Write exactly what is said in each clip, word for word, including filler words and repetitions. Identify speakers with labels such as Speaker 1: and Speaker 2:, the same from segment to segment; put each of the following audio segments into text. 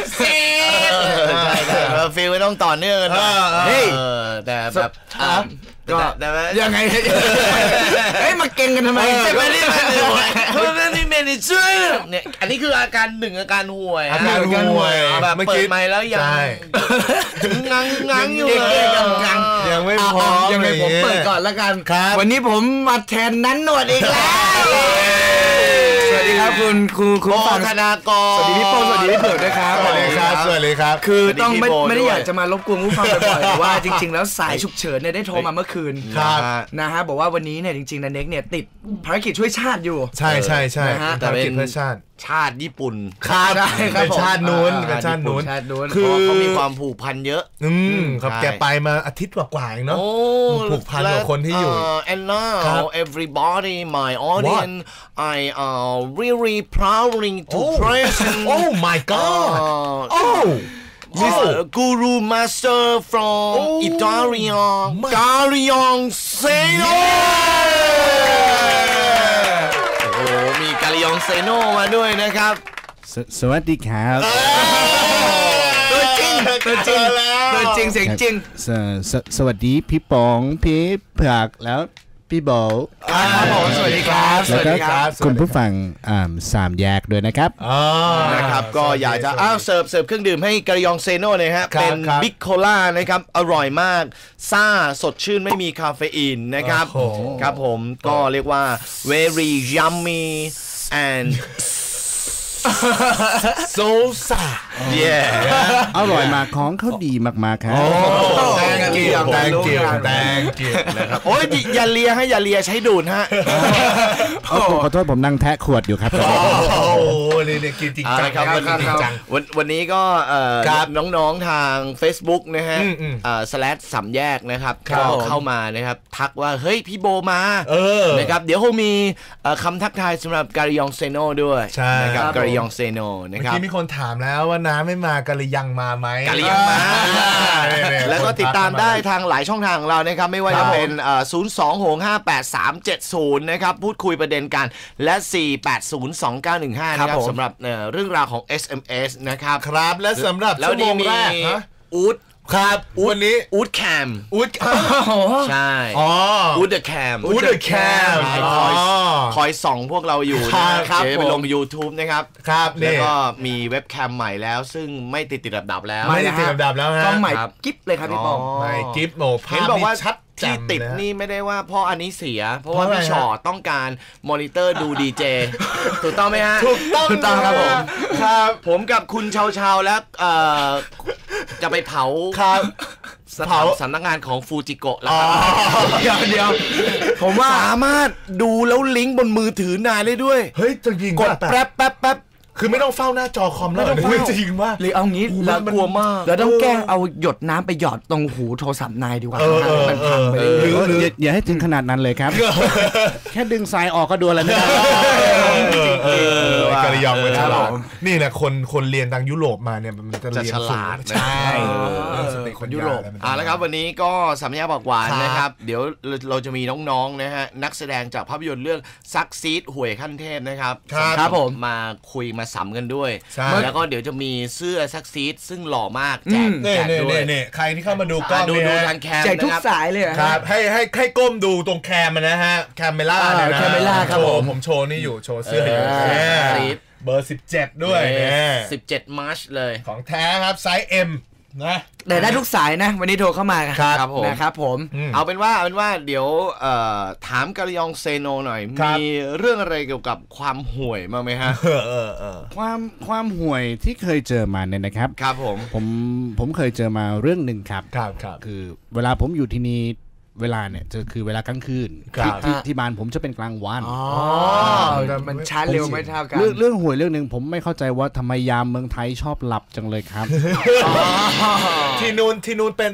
Speaker 1: เซ็ตใช่แต่ฟิลไม่ต้องต่อเนื่องกันเฮ้ยแต่แบบก็ยังไงเฮ้ยมาเก่งกันทำไมใช่ไหมนี่มันเพราะว่านี่เมนเจอร์เนี่ยอันนี้คืออาการหนึ่งอาการห่วย
Speaker 2: อาการห่วย
Speaker 1: แบบเปิดไมค์แล้วยังงังงังอยู่เลยยัง
Speaker 2: ยังไม่พร้อม
Speaker 3: ยังไงผมเปิดก่อนแล้วกันวันนี้ผมมาแทนนั้นหนวดอีกแล้วสวัสดีครับคุณครูครู
Speaker 1: ปธนากร
Speaker 3: สวัสดีพี่โป้สวัสดีพี่เผือกด้วยครับ
Speaker 2: สวัสดีครับสวัสดีครับ
Speaker 3: คือต้องไม่ไม่ได้อยากจะมารบกวนผู้ฟังบ่อยๆแต่ว่าจริงๆแล้วสายฉุกเฉินเนี่ยได้โทรมาเมื่อคืนนะฮะบอกว่าวันนี้เนี่ยจริงๆนันเน็กเนี่ยติดภารกิจช่วยชาติอยู่
Speaker 2: ใช่ใช่ใช่ภารกิจเพื่อชาติ
Speaker 1: ชาติญี่ปุ่น
Speaker 2: ชาติเป็นชาตินู้นเป็นชาตินู้น
Speaker 1: คือเขามีความผูกพันเยอะ
Speaker 2: อืมครับแกไปมาอาทิตย์กว่าๆเองเนาะผูกพันกับคนที่อยู่
Speaker 1: and now everybody my audience I are really proudly to present
Speaker 2: oh my god oh
Speaker 1: Mister Guru Master from Italian Garion Seno โอ้มีกาลิยองเซโนมาด้วยนะครับ
Speaker 4: สวัสดีครับ
Speaker 3: ตัวจริงตัวจริงตัวจริงเสียงจริง
Speaker 4: สวัสดีพี่ปองพี่เผือกแล้วพี่โบ
Speaker 3: ครับผมสวัสดีครับ
Speaker 4: สวัสดีครับคุณผู้ฟังสามแยกด้วยนะครับ
Speaker 1: นะครับก็อยากจะอ้าวเสิร์ฟเสิร์ฟเครื่องดื่มให้กาลิยองเซโนเลยฮะเป็นบิ๊กโคล่านะครับอร่อยมากซ่าสดชื่นไม่มีคาเฟอีนนะครับครับผมก็เรียกว่า very yummy and
Speaker 2: โซซา
Speaker 1: เย่
Speaker 4: อร่อยมากของเขาดีมากๆครับ
Speaker 2: แตงเกียวแตงเกียวแตงเกียว
Speaker 1: นะครับโอ้ยอย่าเลียให้อย่าเลียใช้ดูดฮะ
Speaker 4: ขอโทษผมนั่งแทะขวดอยู่ครับ
Speaker 2: โอ้โหนี่เนี่ยกินจริงจัง
Speaker 1: ครับวันวันนี้ก็น้องๆทาง Facebook นะฮะสแลชสามแยกนะครับก็เข้ามานะครับทักว่าเฮ้ยพี่โบมานะครับเดี๋ยวคงมีคำทักทายสำหรับกาลิยองเซโนด้วยนะครับกาลิยองเซโนนะครับ
Speaker 2: เมื่อกี้มีคนถามแล้วว่าน้าไม่มากาลิยังมาไหม
Speaker 1: กาลิยังมาแล้วก็ติดตามได้ทางหลายช่องทางของเรานะครับไม่ว่าจะเป็นศูนย์ สอง หก ห้า แปด สาม เจ็ด ศูนย์นะครับพูดคุยประเด็นกันและสี่ แปด ศูนย์ สอง เก้า หนึ่ง ห้านะครับสำหรับเรื่องราวของ เอส เอ็ม เอส นะครับ
Speaker 2: ครับและสำหรับชั่วโมงแรกนะ
Speaker 1: อูด
Speaker 2: ครับวันนี้
Speaker 1: อูดแคม
Speaker 2: อูด
Speaker 1: ใช่
Speaker 2: อ๋อ
Speaker 1: อูดเดอะแคม
Speaker 2: อูดเดอะแคม
Speaker 1: คอยคอยส่องพวกเราอยู่นะครับเดี๋ยวไปลง YouTube นะครับ
Speaker 2: ครับ
Speaker 1: แล้วก็มีเว็บแคมใหม่แล้วซึ่งไม่ติดติดดับๆแล้ว
Speaker 2: ไม่ติดติดดับๆแล้วฮะ
Speaker 3: กล้องใหม่กิ๊บเลยครับพี่ปอง
Speaker 2: ใหม่กิ๊บโหภาพนี่ชัด
Speaker 1: ที่ติดนี่ไม่ได้ว่าเพราะอันนี้เสียเพราะว่าพี่ชอต้องการมอนิเตอร์ดูดีเจถูกต้องไหมฮะ
Speaker 2: ถูกต้อง
Speaker 1: ครับผมครับผมกับคุณชาวชาวแล้วจะไปเผา
Speaker 2: ครับ
Speaker 1: เผาสำนักงานของฟูจิโกะแล้วครับ
Speaker 3: เดี๋ยวเดี๋ยว
Speaker 1: ผมว่าสามารถดูแล้วลิงก์บนมือถือนายได้ด้วย
Speaker 2: เฮ้ยจริง
Speaker 1: กดแป๊บแป๊บแป๊บ
Speaker 2: คือไม่ต้องเฝ้าหน้าจอคอมแล้วไม่จริงว่า
Speaker 3: หรือเอางี้แล้ว
Speaker 1: กลัวมาก
Speaker 3: แล้วต้องแกล้งเอาหยดน้ำไปหยอดตรงหูโทรศัพท์นายดีกว่ามันพังไป
Speaker 4: หรืออย่าให้ถึงขนาดนั้นเลยครับแค่ดึงสายออกก็ดูแล้วนะ
Speaker 2: กาลิยองไปฉลาดนี่แหละคนคนเรียนทางยุโรปมาเนี่ยมันจะเรียน
Speaker 1: ฉลาด
Speaker 2: ใช่
Speaker 1: คนยุโรปอ่าแล้วครับวันนี้ก็สัมยาบอกหวานนะครับเดี๋ยวเราจะมีน้องๆนะฮะนักแสดงจากภาพยนตร์เรื่องซักซีดห่วยขั้นเทพนะครับ
Speaker 3: ครับผม
Speaker 1: มาคุยมาสัมกันด้วยแล้วก็เดี๋ยวจะมีเสื้อซักซีดซึ่งหล่อมากแจกแจกด้วย
Speaker 2: เนี่ยใครที่เข้ามาดูก็
Speaker 1: ดูดูทางแคม
Speaker 3: แจกทุกสายเลย
Speaker 2: ครับให้ให้ให้ก้มดูตรงแคมนะฮะแคมเมล่าเนี่ยนะ
Speaker 3: แคมเมล่าครับผม
Speaker 2: ผมโชว์นี่อยู่โชว์เสื้ออยู่เบอร์สิบเจ็ดด้วย
Speaker 1: สิบเจ็ดมาร์ชเลย
Speaker 2: ของแท้ครับไซส์ M นะ
Speaker 3: แต่ได้ทุกสายนะวันนี้โทรเข้ามา
Speaker 1: ครับผม
Speaker 3: นะครับผม
Speaker 1: เอาเป็นว่าเอาเป็นว่าเดี๋ยวถามกาลิยองเซโนหน่อยมีเรื่องอะไรเกี่ยวกับความห่วยมาไหมฮะ
Speaker 4: ความความห่วยที่เคยเจอมาเนี่ยนะครับ
Speaker 1: ครับผม
Speaker 4: ผมผมเคยเจอมาเรื่องหนึ่งครับ
Speaker 2: ครับครับ
Speaker 4: คือเวลาผมอยู่ที่นี่เวลาเนี่ยจะคือเวลากลางคืนที่ที่บ้านผมจะเป็นกลางวัน
Speaker 3: อ๋อมันช้าเร็วไม่เท่ากัน
Speaker 4: เรื่องเรื่องห่วยเรื่องหนึ่งผมไม่เข้าใจว่าทำไมยามเมืองไทยชอบหลับจังเลยครับ
Speaker 2: ที่นู่นที่นู่นเป็นไหม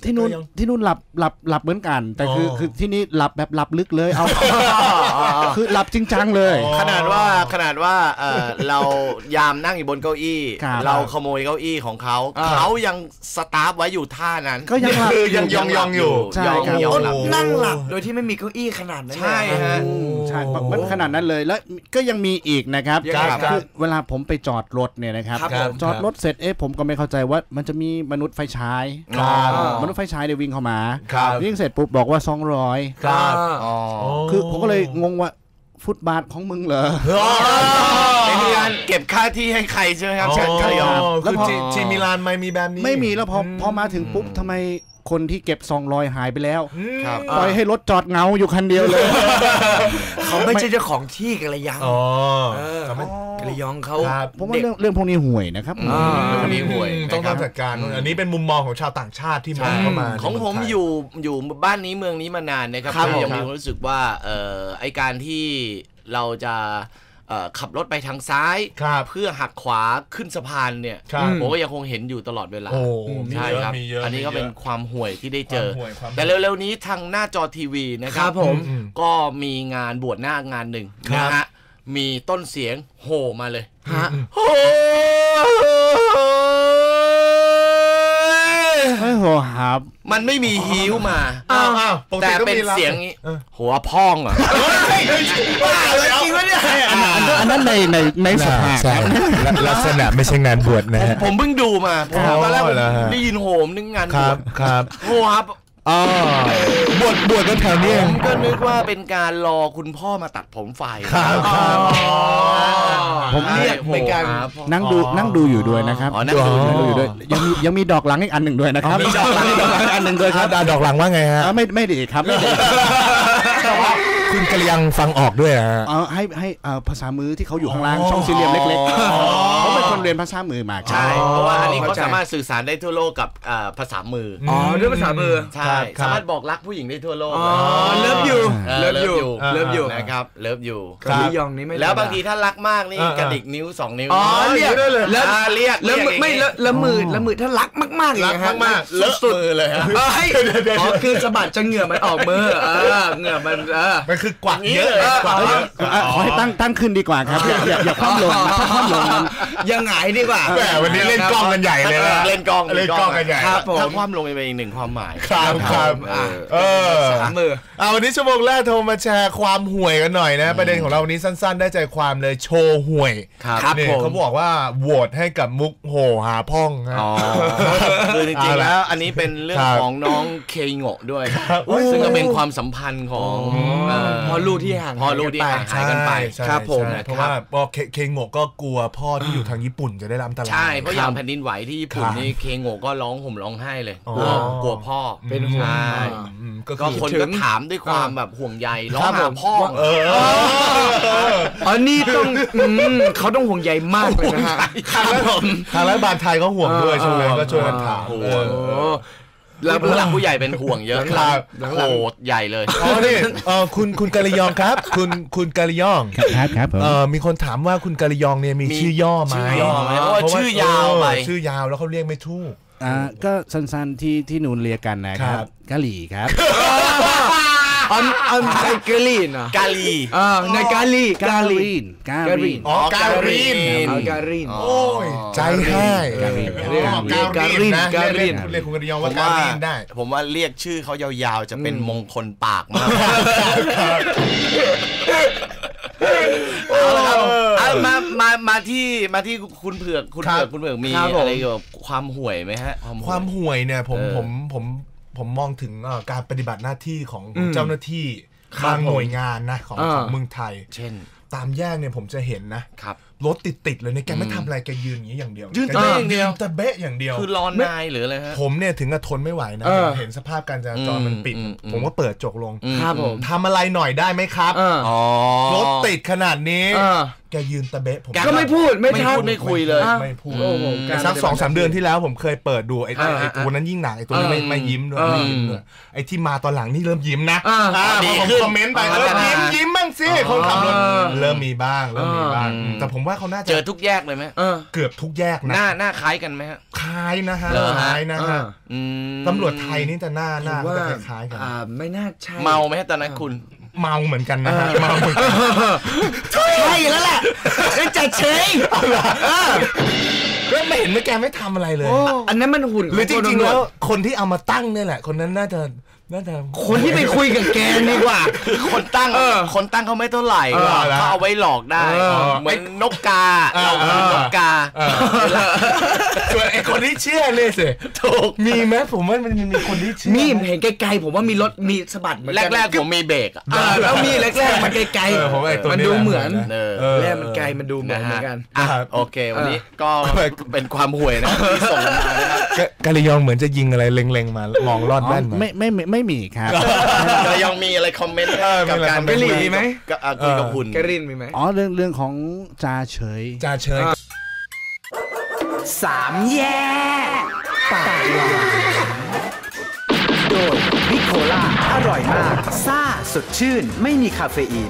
Speaker 4: ที่นู่นที่นู่นหลับหลับหลับเหมือนกันแต่คือคือที่นี่หลับแบบหลับลึกเลยเอาคือหลับจริงจังเลย
Speaker 1: ขนาดว่าขนาดว่าเรายามนั่งอยู่บนเก้าอี้เราขโมยเก้าอี้ของเขาเขายังสตาร์ฟไว้อยู่ท่านั้น
Speaker 4: ก็ยังหลับ
Speaker 2: ยังยองยองอยู่
Speaker 4: ใช่ครับ
Speaker 3: นั่งหลับโดยที่ไม่มีเก้าอี้ขนาดนั้น
Speaker 1: ใช่ฮะ
Speaker 4: ใช่มันขนาดนั้นเลยแล้วก็ยังมีอีกนะครับคือเวลาผมไปจอดรถเนี่ยนะครับจอดรถเสร็จเอ๊ะผมก็ไม่เข้าใจว่ามันจะมีมนุษย์ไฟฉายมนุษย์ไฟฉายเดี๋ยววิ่งเข้ามาวิ่งเสร็จปุ๊บบอกว่าสองร้อยคือผมก็เลยงงว่าฟุตบาทของมึงเหรอ
Speaker 1: เป็นการเก็บค่าที่ให้ใครใช่ไหมครับเชิญใครยอม
Speaker 2: แล้วจีมิลานไม่มีแบบนี้
Speaker 4: ไม่มีแล้วพอพอมาถึงปุ๊บทำไมคนที่เก็บสองร้อยหายไปแล้วปล่อยให้รถจอดเงาอยู่คันเดียวเลย
Speaker 3: เขาไม่ใช่เจ้าของที่กันเลยยังอ๋อกระยองเขา
Speaker 4: ผมว่าเรื่องเรื่องพวกนี้ห่วยนะครับ
Speaker 1: เรื่องพวกนี้ห่วย
Speaker 2: ต้องจัดการอันนี้เป็นมุมมองของชาวต่างชาติที่มองเข้ามา
Speaker 1: ของผมอยู่อยู่บ้านนี้เมืองนี้มานานนะครับยังมีความรู้สึกว่าไอการที่เราจะขับรถไปทางซ้ายเพื่อหักขวาขึ้นสะพานเนี่ยผมก็ยังคงเห็นอยู่ตลอดเวลาใช่ครับอันนี้ก็เป็นความห่วยที่ได้เจอแต่เร็วๆนี้ทางหน้าจอทีวีนะครับผมก็มีงานบวชหน้างานหนึ่งนะฮะมีต้นเสียงโห่มาเลยฮะโห่
Speaker 4: ไม่โหครับ
Speaker 1: มันไม่มีฮิ้วมาแต่เป็นเสียงนี้หัวพองเหรอ
Speaker 3: บ้าเลยจริงวะเนี่ย
Speaker 4: อันนั้นในในในสภา
Speaker 2: ลักษณะไม่ใช่งานบวชนะ
Speaker 1: ผมเพิ่งดูมาตอนแรกได้ยินโหมนึกงานบวช
Speaker 2: ครับ
Speaker 1: โหครับ
Speaker 2: อ๋อบวชบวชกันแถวนี้
Speaker 1: ผมก็นึกว่าเป็นการรอคุณพ่อมาตัดผมไฟ
Speaker 2: ครับ
Speaker 3: ผมเรียกเป็นการ
Speaker 4: นั่งดูนั่งดูอยู่ด้วยนะครับ
Speaker 1: นั่งดู
Speaker 4: อยู่ด้วยยังมียังมีดอกหลังอีกอันหนึ่งด้วยนะครับ
Speaker 1: มีดอกหลังดอกหลังอันหนึ่งด้วยครับ
Speaker 2: ดอกหลังว่าไงฮะ
Speaker 4: ไม่ไม่ดีครับไม่ดี
Speaker 2: คุณกระยังฟังออกด้วยฮะ
Speaker 4: เอาให้ให้ภาษามือที่เขาอยู่ข้างล่างช่องสี่เหลี่ยมเล็กๆเขาเป็นคนเรียนภาษามือมา
Speaker 1: ใช่เพราะว่าอันนี้เขาสามารถสื่อสารได้ทั่วโลกกับภาษามือ
Speaker 3: อ๋อด้วยภาษามือ
Speaker 1: ใช่สามารถบอกรักผู้หญิงได้ทั่วโลก
Speaker 3: อ๋อเลิฟอยู่
Speaker 1: เลิฟอยู่เลิฟอยู่นะครับเลิฟอยู่
Speaker 3: กระยองนี้ไม่
Speaker 1: แล้วบางทีถ้ารักมากนี่กระดิกนิ้วสองนิ้ว
Speaker 3: อ๋อเรียก
Speaker 1: แล้วเรียก
Speaker 3: แล้วไม่แล้วมือแล้วมือถ้ารักมากๆ
Speaker 1: รักมากๆเลอะมือเลยฮะ
Speaker 3: อ๋อคือสะบัดจะเหงื่อมันออกมือเออเหงื่อมันเออ
Speaker 2: มันคือกวักเยอะ
Speaker 4: ขอให้ตั้งตั้งขึ้นดีกว่าครับอย่าอย่าคว่ำลงนะถ้าคว่ำลงมัน
Speaker 3: ยังไงดีกว่า
Speaker 2: แหมวันนี้เล่นกล้องกันใหญ่เลย
Speaker 1: เล่นกล้อง
Speaker 2: เล่นกล้องกันใหญ่
Speaker 1: ถ้าคว่ำลงไปอีกหนึ่งความหมาย
Speaker 2: ครับครับเออ
Speaker 3: สามมือ
Speaker 2: เอาวันนี้ชั่วโมงแรกโทรมาแชร์ความห่วยกันหน่อยนะประเด็นของเราวันนี้สั้นๆได้ใจความเลยโชว์ห่วยนี่เขาบอกว่าโหวตให้กับมุกโหหาพ่อง
Speaker 1: อ๋อคือจริงๆแล้วอันนี้เป็นเรื่องของน้องเคโงะด้วยซึ่งก็เป็นความสัมพันธ์ของ
Speaker 3: พ่อลูกที่ห่าง
Speaker 1: พ่อลูกที่ห่างหายกันไป
Speaker 2: ครับผมเพราะว่าเคโงะก็กลัวพ่อที่อยู่ทางญี่ปุ่นจะได้รับอันตราย
Speaker 1: ใช่เพราะอย่างแผ่นดินไหวที่ญี่ปุ่นนี่เคโงะก็ร้องห่มร้องไห้เลยกลัวกลัวพ่อ
Speaker 3: เป็นห่วง
Speaker 1: ก็คนก็ถามด้วยความแบบห่วงใยร้องหาพ่อ
Speaker 2: เออ
Speaker 3: อันนี้ต้องเขาต้องห่วงใยมากเลยนะฮะ
Speaker 2: ทางรัฐบาลไทยก็ห่วงด้วยช่วงนี้ก็ช่วยกันถาม
Speaker 1: แล้วหลักผู้ใหญ่เป็นห่วงเยอะครับโอ้ใหญ่เลย
Speaker 2: อ๋อนี่เออคุณคุณกาลิยองครับคุณคุณกาลิยอง
Speaker 4: ครับครับ
Speaker 2: เออมีคนถามว่าคุณกาลิยองเนี่ยมีชื่อย่อไหม
Speaker 1: เพราะว่าชื่อยาวไป
Speaker 2: ชื่อยาวแล้วเขาเรียกไม่ถูก
Speaker 4: อ่าก็สั้นๆที่ที่นูนเรียกกันนะครับกะหลี่ครับ
Speaker 3: อันอันในกาลีนอ่ะ
Speaker 1: กาลี
Speaker 3: อ่าในกาลี
Speaker 4: กาลีนกาลีน
Speaker 2: อ๋อกาลีน
Speaker 3: กาลีน
Speaker 2: โอ้ยใจให้
Speaker 4: กาลีน
Speaker 2: กาลีนกาลีนเรียกคุณกระยองว่ากาลีนได้
Speaker 1: ผมว่าเรียกชื่อเขายาวๆจะเป็นมงคลปากมากเอาละครับมามามาที่มาที่คุณเผือกคุณเผือกคุณเผือกมีอะไรเกี่ยวกับความห่วยไหมฮะ
Speaker 2: ความห่วยเนี่ยผมผมผมผมมองถึงการปฏิบัติหน้าที่ของเจ้าหน้าที่บางหน่วยงานนะของของเมืองไทย
Speaker 1: เช่น
Speaker 2: ตามแยกเนี่ยผมจะเห็นนะครับรถติดๆเลยเนี่ยแกไม่ทำอะไรแกยืนอย่างนี้อย่างเดียว
Speaker 1: ยืนแต่อย่างเดียว
Speaker 2: แต่เบ๊ะอย่างเดียว
Speaker 1: คือรอนนายหรืออะไรฮะ
Speaker 2: ผมเนี่ยถึงกับทนไม่ไหวนะเห็นสภาพการจราจรมันปิดผมก็เปิดจกลง
Speaker 3: ครับผม
Speaker 2: ทำอะไรหน่อยได้ไหมครับรถติดขนาดนี้แกยืนตะเบะผม
Speaker 3: ก็ไม่พูดไม่พูด
Speaker 1: ไม่คุยเลย
Speaker 2: ไม่พูดสักสองสามเดือนที่แล้วผมเคยเปิดดูไอ้ตัวนั้นยิ่งหนักไอ้ตัวนี้ไม่ไม่ยิ้มด้วยไม่ยิ้มด้วยไอ้ที่มาตอนหลังนี่เริ่มยิ้มนะผมคอมเมนต์ไปเออยิ้มยิ้มบ้างสิคนขับรถเริ่มมีบ้างเริ่มมีบ้างแต่ผมว่าเขาน่าจะ
Speaker 1: เจอทุกแยกเลยไหม
Speaker 2: เกือบทุกแยกนะ
Speaker 1: หน้าหน้าคล้ายกันไหมฮะ
Speaker 2: คล้ายนะฮะคล้ายนะฮะตำรวจไทยนี่จะหน้าหน้าจะคล้ายกัน
Speaker 3: ไม่น่าใช่
Speaker 1: เมาไหมตอนนั้นคุณ
Speaker 2: เมาเหมือนกันนะฮะเมาเหมือนกัน
Speaker 3: ใช่แล้วแหละจัดเฉย
Speaker 2: ก็ไม่เห็นว่าแกไม่ทำอะไรเลย
Speaker 3: อันนั้นมันหุ่น
Speaker 2: หรือจริงๆแล้วคนที่เอามาตั้งนี่แหละคนนั้นน่าจะน่าจะ
Speaker 3: คนที่ไปคุยกับแกดีกว่า
Speaker 1: คนตั้งคนตั้งเขาไม่เท่าไหร่เขาเอาไว้หลอกได้เหมือนนกกาเรานกกา
Speaker 2: ส่วนไอ้คนที่เชื่อเลยสิถูกมีไหมผมว่ามันมีคนที่เชื่อ
Speaker 3: มีเห็นไกลๆผมว่ามีรถมีสะบัดเหมือน
Speaker 1: แรกๆผมมีเบรก
Speaker 3: แล้วมีแรกๆมันไกลๆมันดูเหมือนแรกมันไกลมันดูเหมือนเหมือนกัน
Speaker 1: โอเควันนี้ก็เป็นความห่วยนะที่ส่งมานะครับ
Speaker 2: กาลิยองเหมือนจะยิงอะไรเล็งๆมามองลอดแว่น
Speaker 4: ไม่ไม่ไม่มีครับ
Speaker 1: กาลิยองมีอะไรคอมเมนต์กับการ
Speaker 3: กรินมีไหม
Speaker 1: คุยกับคุณ
Speaker 3: กรินมีไหม
Speaker 4: อ๋อเรื่องเรื่องของจ่าเฉย
Speaker 2: จ่าเฉย
Speaker 3: สามแย่ปากหวานโดยนิโคล่าอร่อยมากซ่าสดชื่นไม่มีคาเฟอีน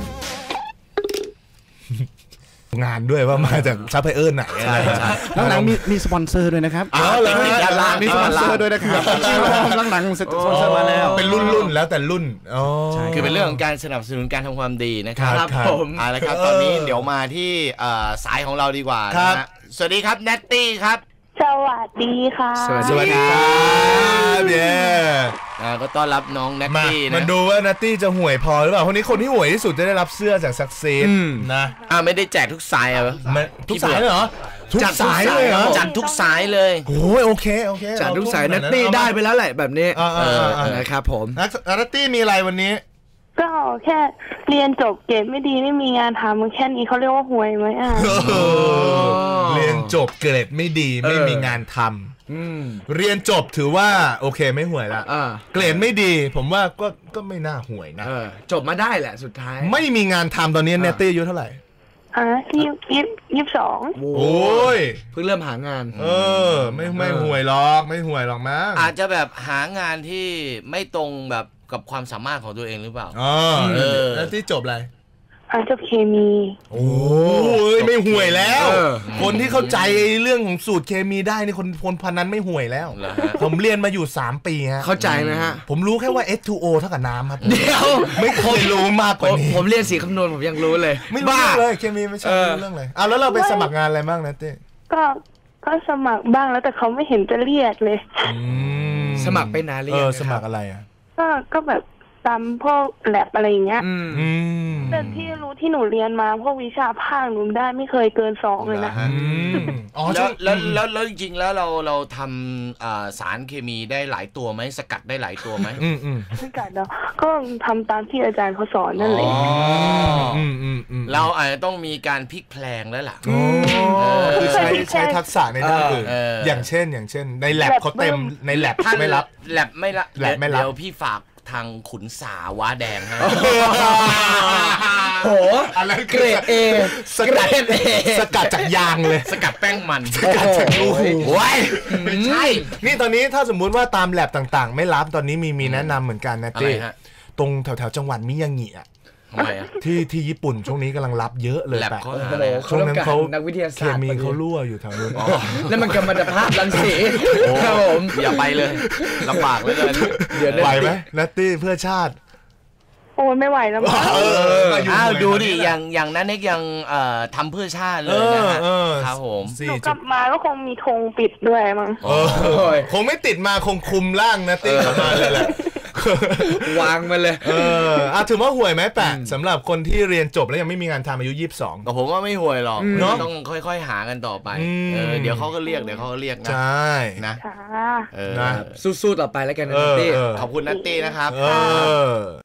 Speaker 2: งานด้วยว่ามาจากซัพพลายเออร์ไหนอะไร
Speaker 4: หลังๆมีมีสปอนเซอร์ด้วยนะครับ
Speaker 1: อ๋อเลย
Speaker 4: มีสปอนเซอร์ด้วยนะครับหลังๆสปอนเซอร์มาแล้ว
Speaker 2: เป็นรุ่นๆแล้วแต่รุ่นอ๋อ
Speaker 1: คือเป็นเรื่องของการสนับสนุนการทำความดีนะครับผมเอาละครับตอนนี้เดี๋ยวมาที่สายของเราดีกว่านะฮะสวัสดีครับแนตตี้ครับ
Speaker 5: สวัสดีค่ะ
Speaker 2: สวัสดีครับเย้
Speaker 1: ก็ต้อนรับน้องแนตตี้นะ
Speaker 2: มันดูว่าแนตตี้จะห่วยพอหรือเปล่าคนนี้คนที่ห่วยที่สุดจะได้รับเสื้อจากซักซีดนะ
Speaker 1: อ่าไม่ได้แจกทุกสายเหรอ
Speaker 2: ทุกสายเลยเหรอทุกสายเลยเหรอ
Speaker 1: จัดทุกสายเลย
Speaker 2: โอ้ยโอเคโอเค
Speaker 3: จัดทุกสายแนตตี้ได้ไปแล้วแหละแบบนี้นะครับผม
Speaker 2: แนตตี้มีอะไรวันนี้
Speaker 5: ก็แค่เรียนจบเกรดไม่ดีไม่มีงานทำแค่นี้เขาเรียกว่าห่วยไหมอ่ะ
Speaker 2: เรียนจบเกรดไม่ดีไม่มีงานทำเรียนจบถือว่าโอเคไม่ห่วยละเกรดไม่ดีผมว่าก็ก็ไม่น่าห่วยนะ
Speaker 3: จบมาได้แหละสุดท้าย
Speaker 2: ไม่มีงานทำตอนนี้เนตตี้อายุเท่าไหร่
Speaker 5: อ่ะยี่ยี่ยี่สิบสอง
Speaker 2: โอ้ย
Speaker 3: เพิ่งเริ่มหางาน
Speaker 2: เออไม่ไม่ห่วยหรอกไม่ห่วยหรอกมั้ง
Speaker 1: อาจจะแบบหางานที่ไม่ตรงแบบกับความสามารถของตัวเองหรือเปล่า
Speaker 2: อ๋อแล้วที่จบอะไร
Speaker 5: อ่าจบเคมี
Speaker 2: โอ้ยไม่ห่วยแล้วคนที่เข้าใจเรื่องของสูตรเคมีได้นี่คนคนพันนั้นไม่ห่วยแล้วผมเรียนมาอยู่สามปีฮะ
Speaker 3: เข้าใจไหมฮะ
Speaker 2: ผมรู้แค่ว่า เอช ทู โอ เท่ากับน้ำครับ
Speaker 3: เดี๋ยว
Speaker 2: ไม่เคยรู้มากกว่านี้
Speaker 3: ผมเรียนสีคำนวณผมยังรู้เลย
Speaker 2: ไม่รู้เลยเคมีไม่ใช่เรื่องเลยอ้าวแล้วเราไปสมัครงานอะไรบ้างนะเต้
Speaker 5: ก็ก็สมัครบ้างแล้วแต่เขาไม่เห็นจะเรียกเลย
Speaker 3: สมัครไปนานเรียก
Speaker 2: เออสมัครอะไรอ่ะ
Speaker 5: ก็ก็แบบตามพวกแลบอะไรอย่างเงี้ยแต่ที่รู้ที่หนูเรียนมาพวกวิชาภาคหนูได้ไม่เคยเกินสองเลยนะ
Speaker 1: อ๋อแล้วแล้วแล้วจริงๆแล้วเราเราทำสารเคมีได้หลายตัวไหมสกัดได้หลายตัวไหม
Speaker 5: อืมอืมสกัดเนาะก็ทำตามที่อาจารย์เขาสอนนั่นแหละ
Speaker 1: อืมอืมอืมเราอาจจะต้องมีการพลิกแพลงแล้วล่ะ
Speaker 2: คือใช้ใช้ทักษะในด้านอื่นอย่างเช่นอย่างเช่นในแลบเขาเต็มในแลบไม่รับ
Speaker 1: แลบไม่รับแลบไม่รับเดี๋ยวพี่ฝากทางขุนสาวะแดงฮะ
Speaker 3: โหอะไรเกรดเอ
Speaker 2: สกัดเอสกัดจากยางเลย
Speaker 1: สกัดแป้งมัน
Speaker 2: สกัดจากลูก
Speaker 1: โอ้ย
Speaker 2: ไม่ใช่นี่ตอนนี้ถ้าสมมุติว่าตามแลบต่างๆไม่รับตอนนี้มีมีแนะนำเหมือนกันนะเต้ตรงแถวๆจังหวัดมิยางิอ่ะที่ที่ญี่ปุ่นช่วงนี้กำลังรับเยอะเลยแต่ช่วงนั้นเขา
Speaker 3: นักวิทยาศาสตร์เค
Speaker 2: มีเขารั่วอยู่แถวนู้น
Speaker 3: แล้วมันกำมันภาพรังสี
Speaker 1: ครับผมอย่าไปเลยลำบากเลย
Speaker 2: เดี๋ยวไหวไหมนัตตี้เพื่อชาติ
Speaker 5: โอ้ไม่ไหวแล้วมั้ง
Speaker 1: อ้าวดูดิอย่างอย่างนั้นเน็กยังทำเพื่อชาติเลยนะครับผม
Speaker 5: หนูกลับมาก็คงมีธงปิดด้วยมั้ง
Speaker 2: คงไม่ติดมาคงคุมร่างนัตตี้กลับมาเลยแหละ
Speaker 3: วางมาเลย
Speaker 2: เอออ่ะถือว่าห่วยไหมแปะสำหรับคนที่เรียนจบแล้วยังไม่มีงานทำอายุยี่สิบสอง
Speaker 1: ก็ผมว่าไม่ห่วยหรอกต้องค่อยๆหากันต่อไปเออเดี๋ยวเขาก็เรียกเดี๋ยวเขาก็เรียกนะ
Speaker 2: ใช่
Speaker 1: นะ
Speaker 5: เออ
Speaker 3: สู้ๆต่อไปแล้วกันนะนัตตี้
Speaker 1: ขอบคุณนัตตี้นะครับ